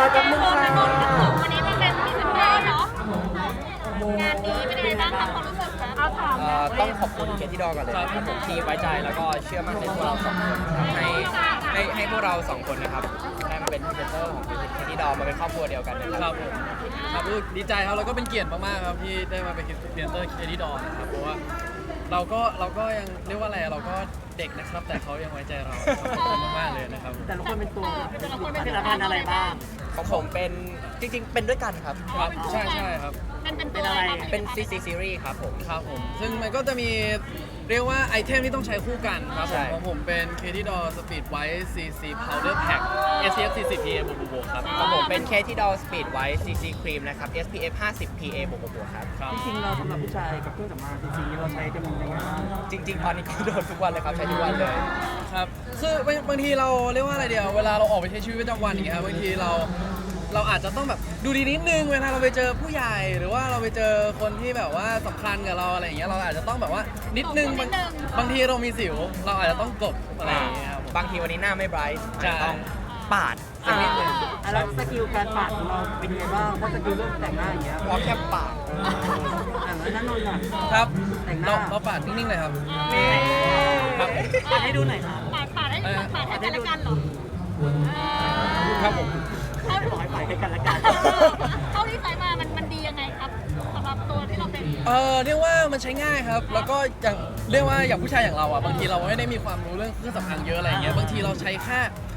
มากับมึงวันค่ะนี้มันเป็นพรีเซนเตอร์เนาะงานนี้เป็นยังไงบ้างคะความรู้สึกคะเอาถามต้องขอบคุณเคที่ดอก่อนเลยครับผมที่ไว้ใจแล้วก็เชื่อมั่นในพวกเราสองคนครับให้พวกเราสองคนนะครับได้มาเป็นพรีเซนเตอร์ของเคที่ดอมาเป็นครอบครัวเดียวกันนะคครัรับบผมครับดีใจครับแล้วก็เป็นเกียรติมากๆครับที่ได้มาเป็นพรีเซนเตอร์เคที่ดอนนะครับเพราะว่าเราก็ยังเรียกว่าอะไรเราก็เด็กนะครับ แต่เขายังไว้ใจเราขอบคุณมากๆเลยนะครับแต่ละคนเป็นตัวแต่ละคนผลิตภัณฑ์อะไรบ้างของผมเป็นจริงๆเป็นด้วยกันครับครับใช่ครับมันเป็นตัวอะไรเป็น CC Series ครับผมครับผมซึ่งมันก็จะมีเรียกว่าไอเทมที่ต้องใช้คู่กันครับใช่ของผมเป็น k d d o Speed White CC Powder Pack SPF 40 PA บวกครับของผมเป็นเคที่ดอ Speed White CC Cream นะครับ SPF 50 PA บวกๆครับครับจริงๆเราสำหรับผู้ชายกับเครื่องสำอางจริงๆเราใช้กันยังไงบ้างจริงๆ ตอนนี้ก็โดนทุกวันเลยครับใช้ทุกวันเลยครับคือบางทีเราเรียกว่าอะไรเดียวเวลาเราออกไปใช้ชีวิตประจำวันอย่างเงี้ยครับบางทีเราอาจจะต้องแบบดูดีนิดนึงเวลาเราไปเจอผู้ใหญ่หรือว่าเราไปเจอคนที่แบบว่าสำคัญกับเราอะไรอย่างเงี้ยเราอาจจะต้องแบบว่านิดนึงบางทีเรามีสิวเราอาจจะต้องกลบอะไรอย่างเงี้ยครับผมบางทีวันนี้หน้าไม่ไบรท์ใช่ต้องปาดสักนิดนึงแล้วสกิลการปาดของเราเป็นยังไงบ้างถ้าสกิลเรื่องแต่งหน้าอย่างเงี้ยพอแค่ปาดแล้วนั่นนนท์อ่ะครับแต่งหน้าเราปาดนิ่งๆเลยครับนี่ครับปาดให้ดูหน่อยครับปาดให้กันละกันเหรอครับผมบอกให้ปาดให้กันละกันเท่าที่ใช้มามันดียังไงครับสำหรับตัวที่เราเป็นเรียกว่ามันใช้ง่ายครับ แล้วก็อย่างเรียกว่าอย่างผู้ชายอย่างเราอ่ะบางทีเราไม่ได้มีความรู้เรื่องเครื่องสำอางเยอะอะไรอย่างเงี้ยบางทีเราใช้แค่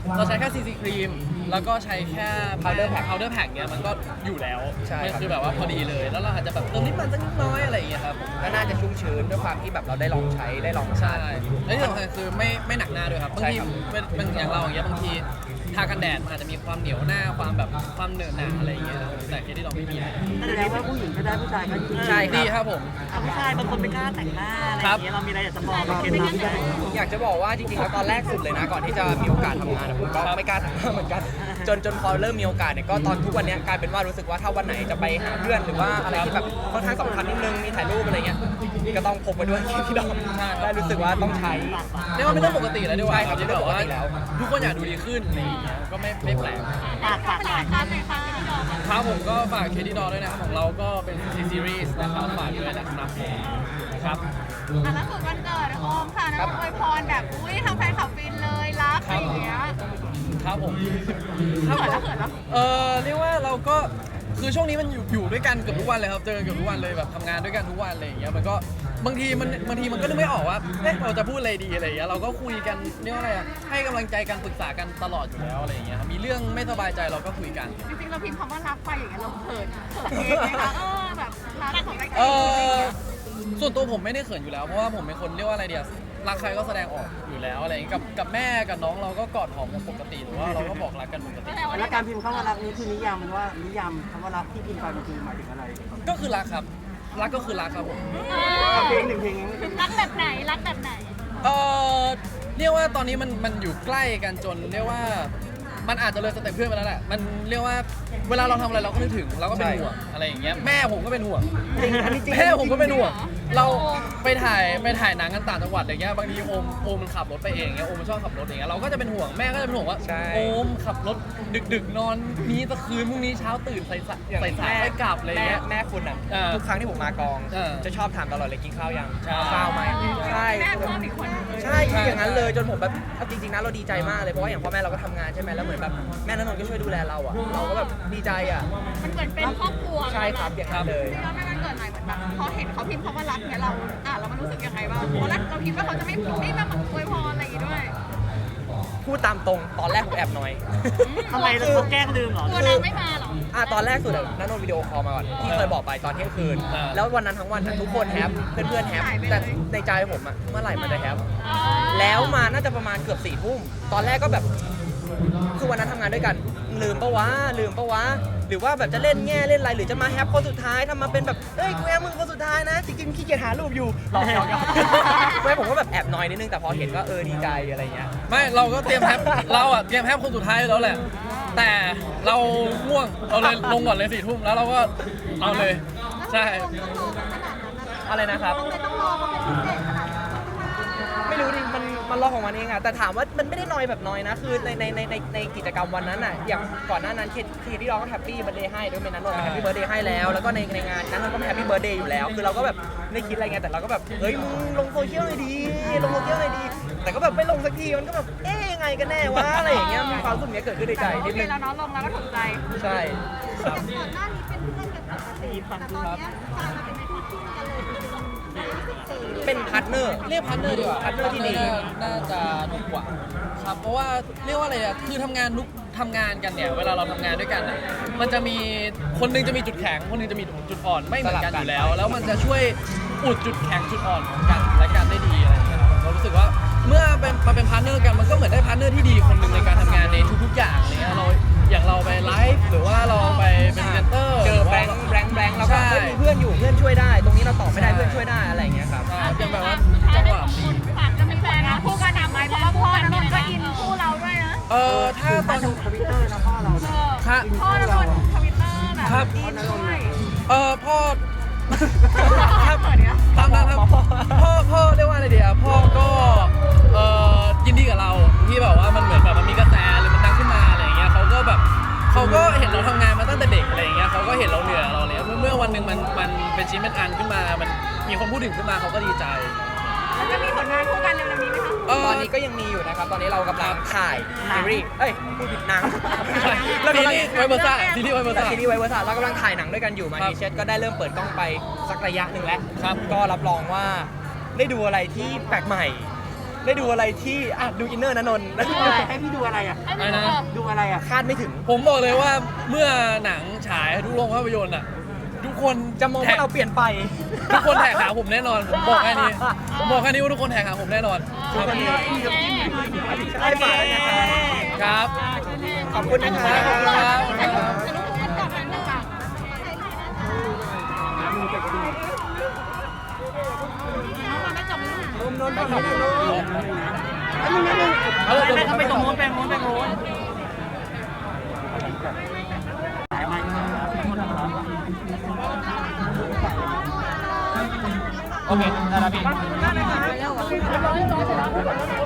CC ครีมแล้วก็ใช้แค่ powder pack เนี้ยมันก็อยู่แล้วใช่มันครับคือแบบว่าพอดีเลยแล้วเราอาจจะแบบเติมนิดมันสักนิดน้อยอะไรอย่างเงี้ยครับก็น่าจะชุ่มชื้นด้วยความที่แบบเราได้ลองใช้ได้ลองทาใช่นและที่สำคัญคือไม่หนักหน้าด้วยครับบางใช่ทีครับเป็นอย่างเราอย่างเงี้ยบางทีทากันแดดมันอาจจะมีความเหนียวหน้าความแบบความเหนอะหนะอะไรอย่างเงี้ยครับแต่ที่เราไม่มีแสดงว่าผู้หญิงก็ได้ผู้ชายก็ดีใช่ครับดีครับผมผู้ชายบางคนไม่กล้าแต่งหน้าอะไรอย่างเงี้ยเรามีอะไรอยากจะบอกในเคล็ดลับไหมอยากจะบอกว่าจริงๆแล้วตอนแรกสุดเลยนะ ก่อนที่จะมีโอกาสทำงานอะผมก็ไม่กล้าทำเหมือนกัน จนพอเริ่มมีโอกาสเนี่ยก็ตอนทุกวันเนี้ยกลายเป็นว่ารู้สึกว่าถ้าวันไหนจะไปหาเพื่อนหรือว่าอะไรที่แบบค่อนข้างสำคัญนิดนึงมีถ่ายรูปอะไรเงี้ยก็ต้องพกไปด้วยที่ดอมได้รู้สึกว่าต้องใช้เรียกว่าไม่ต้องปกติแล้วดีกว่าใช่ครับที่แบบว่าไม่ต้องปกติแล้วทุกคนอยากดูดีขึ้นอะไรอย่างเงี้ยก็ไม่แปลกปากหน่อยการในครั้งที่ดอกครับผมก็ฝากเคที่ดอด้วยนะครับของเราก็เป็น CC Series นะครับฝากด้วยนะครับครับล่าสุดวันเกิดโอมค่ะนะอวยพรแบบอุ้ยทำแฟนคลับฟินเลยรักอะไรอย่างเงี้ยครับผมเขินแล้วเขินแล้วเรียกว่าเราก็คือช่วงนี้มันอยู่ด้วยกันเกือบทุกวันเลยครับเจอกันเกือบทุกวันเลยแบบทำงานด้วยกันทุกวันอะไรอย่างเงี้ยมันก็บางทีมันก็นึกไม่ออกว่าเราจะพูดอะไรดีอะไรอย่างเงี้ยเราก็คุยกันเรียกว่าอะไรอะให้กำลังใจกันปรึกษากันตลอดอยู่แล้วอะไรอย่างเงี้ยครับมีเรื่องไม่สบายใจเราก็คุยกันจริงๆเราพิมพ์คำว่ารักไปอย่างเงี้ยเราเขินเองไหมคะแบบรักของใครส่วนตัวผมไม่ได้เขินอยู่แล้วเพราะว่าผมเป็นคนเรียกว่าอะไรเดียรักใครก็แสดงออกอยู่แล้วอะไรอย่างเงี้ยกับแม่กับน้องเราก็กอดหอมกันปกติหรือว่าเราก็บอกรักกันปกติแล้วการพิมพ์คำว่ารักนี้คือนิยามมันว่านิยามคำว่ารักที่พิมพ์ไปมันคือหมายถึงอะไรก็คือรักครับรักก็คือรักครับผมเพลงหนึ่งเพลงรักแบบไหนรักแบบไหนเอ่อเรียกว่าตอนนี้มันอยู่ใกล้กันจนเรียกว่ามันอาจจะเลยสเต็ปเพื่อนไปแล้วแหละมันเรียกว่าเวลาเราทำอะไรเราก็นึกถึงเราก็เป็นห่วงอะไรอย่างเงี้ยแม่ผมก็เป็นห่วงจริงอันนี้จริงแม่ผมก็เป็นห่วงเราไปถ่ายหนังกันต่างจังหวัดอย่างเงี้ยบางทีโอมมันขับรถไปเองเงี้ยโอมมันชอบขับรถอย่างเงี้ยเราก็จะเป็นห่วงแม่ก็จะเป็นห่วงว่าใช่โอมขับรถดึกๆนอนนี้ตะคืนพรุ่งนี้เช้าตื่นใส่สายไปกลับอะไรเงี้ยแม่คุณอ่ะเออทุกครั้งที่ผมมากองเออจะชอบถามตลอดเลยกินข้าวยังใช่ข้าวไหมใช่แม่คนอีกคนใช่อย่างนั้นเลยจนผมแบบเอาจริงๆนะเราดีใจมากเลยเพราะว่าอย่างพ่อแม่เราก็ทำงานใช่ไหมแล้วเหมือนแบบแม่ณนนท์ก็ช่วยดูแลเราอ่ะเราก็แบบดีใจอ่ะมันเหมือนเป็นครอบครัวใช่ครับอย่างนั้นเลยแล้วแม่มันเกิดใหม่เหมือนแบบพอเห็นเขาพิมพ์คำว่ารักเนี่ยเราเรามันรู้สึกยังไงบ้างเพราะเราคิดว่าเขาจะไม่มาอวยพรอะไรอย่างงี้ด้วยพูดตามตรงตอนแรกผมแอบน้อยทำไมเราแกล้งลืมเหรอตัวนางไม่มาหรอตอนแรกสุดอะนันนนวิดีโอคอลมาก่อนที่เคยบอกไปตอนเที่ยงคืน แล้ววันนั้นทั้งวันอะทุกคนแฮปเพื่อนๆแฮปแต่ในใจผมอะเมื่อไหร่มันจะแฮปแล้วมาน่าจะประมาณเกือบ4 ทุ่มตอนแรกก็แบบคือวันนั้นทำงานด้วยกันลืมปะวะหรือว่าแบบจะเล่นแง่เล่นอะไรหรือจะมาแฮปคนสุดท้ายทำมาเป็นแบบเอ้ยกูแอบมึงคนสุดท้ายนะจริงๆขี้เกียจหารูปอยู่หลอกไม่ผมก็แบบแอบน้อยนิดนึงแต่พอเห็นก็ดีใจอะไรเงี้ยไม่เราก็เตรียมแฮปเราอะเตรียมแฮปคนสุดท้ายแล้วแหละแต่เราง่วงเราเลยลงก่อนเลย4 ทุ่มแล้วเราก็เอาเลยใช่อะไรนะครับไม่ต้องรอเขาเป็นพิเศษขนาดนั้นไม่ไม่รู้ดิมันรอของมันเองอะแต่ถามว่ามันไม่ได้นอยแบบนอยนะคือในกิจกรรมวันนั้นอะอย่างก่อนหน้านั้นเคที่เราก็แฮปปี้เบิร์ดเดย์ให้ด้วยเมนันนนท์แฮปปี้เบิร์ดเดย์ให้แล้วแล้วก็ในงานนั้นก็แฮปปี้เบิร์ดเดย์อยู่แล้วคือเราก็แบบไม่คิดอะไรไงแต่เราก็แบบเฮ้ยมึงลงโซเชียลหน่อยดีลงโซเชียลหน่อยดีแต่ก็แบบไม่ลงสักทีมันก็แบบยังไงกันแน่วะอะไรอย่างเงี้ยมีความรู้สึกเนี้ยเกิดขึ้นในใจโอนิดเคนึงแล้วเนาะลงแล้วก็ถูกใจใช่ครับก่อนหน้านี้เป็นเพื่อนกันปกติแต่ตอนเนี้ยกลายมาเป็นคู่จิ้นกันเลยเป็นพาร์ทเนอร์เรียกพาร์ทเนอร์ดีกว่าพาร์ทเนอร์ที่ดีน่าจะถูกกว่าครับเพราะว่าเรียกว่าอะไรอะคือทำงานกันเนี่ยเวลาเราทำงานด้วยกันอะมันจะมีคนหนึงจะมีจุดแข็งคนหนึงจะมีจุดอ่อนไม่เหมือนกันอยู่แล้ว แล้วมันจะช่วยอุดจุดแข็งจุดอ่อนของกันและกันได้ดีอะไรอย่างเงี้ยผมก็รู้สึกว่าเมื่อมาเป็นพาร์ทเนอร์กันมันก็เหมือนได้พาร์ทเนอร์ที่ดีคนหนึ่งในการทำงานในทุกๆอย่างอะไรเงี้ยอย่างเราไปไลฟ์หรือว่าเราไปเป็นเซนเตอร์เจอแบงค์แล้วก็มีเพื่อนอยู่เพื่อนช่วยได้ ตรงนี้เราตอบไม่ได้เพื่อนช่วยได้อะไรอย่างเงี้ยครับเป็นแบบว่าสุดท้ายจังได้หวะสองคนฝากจะมีแฟนนะคู่กันอีกไหมเพราะว่าพ่อนนท์ก็อินคู่เราด้วยนะถ้าตอนทวิตเตอร์นะพ่อเราครับพ่อนนท์ทวิตเตอร์แบบครับอินด้วยพ่อครับเปิดเนี้ยตามนั้นครับพ่อเรียกว่าอะไรดีอ่ะพ่อก็ยินดีกับเราที่แบบว่ามันเหมือนแบบมันมีกระแสหรือมันดังขึ้นมาอะไรอย่างเงี้ยเขาก็เห็นเราทำงานมาตั้งแต่เด็กอะไรอย่างเงี้ยเขาก็เห็นเราเหนื่อยเราเลยเมื่อวันหนึ่งมันเป็นชิ้นเป็นอันขึ้นมามันมีคนพูดถึงขึ้นมาเขาก็ดีใจแล้วจะมีผลงานคู่กันเร็วๆนี้ไหมคะตอนนี้ก็ยังมีอยู่นะครับ ตอนนี้เรากำลังถ่ายซีรีส์พูดผิดหนังซีรีส์ไวเบอร์ซ่าซีรีส์ไวเบอร์ซ่าซีรีส์ไวเวอร์ซ่าเรากำลังถ่ายหนังด้วยกันอยู่มาครับทีเช็ดก็ได้เริ่มเปิดกล้องไปสักระยะหนึ่งแล้วครับก็รับรองว่าได้ดูอะไรที่แปลกใหม่ ได้ดูอะไรที่ดูอินเนอร์นะนนท์ดูอะไรให้พี่ดูอะไรอ่ะอะไรนะดูอะไรอ่ะคาดไม่ถึงผมบอกเลยว่าเมื่อหนังฉายทุกโรงภาพยนตร์อ่ะทุกคนจะมองว่าเราเปลี่ยนไปทุกคนแท็กหาผมแน่นอนผมบอกแค่นี้ว่าทุกคนแท็กหาผมแน่นอนครับใช่ป่ะนะครับครับขอบคุณนะครับครับนนท์ฝั่งนี้นนท์ไม่เขาไปตรงโน้นไปโน้นสายมาโอเคได้แล้วพี่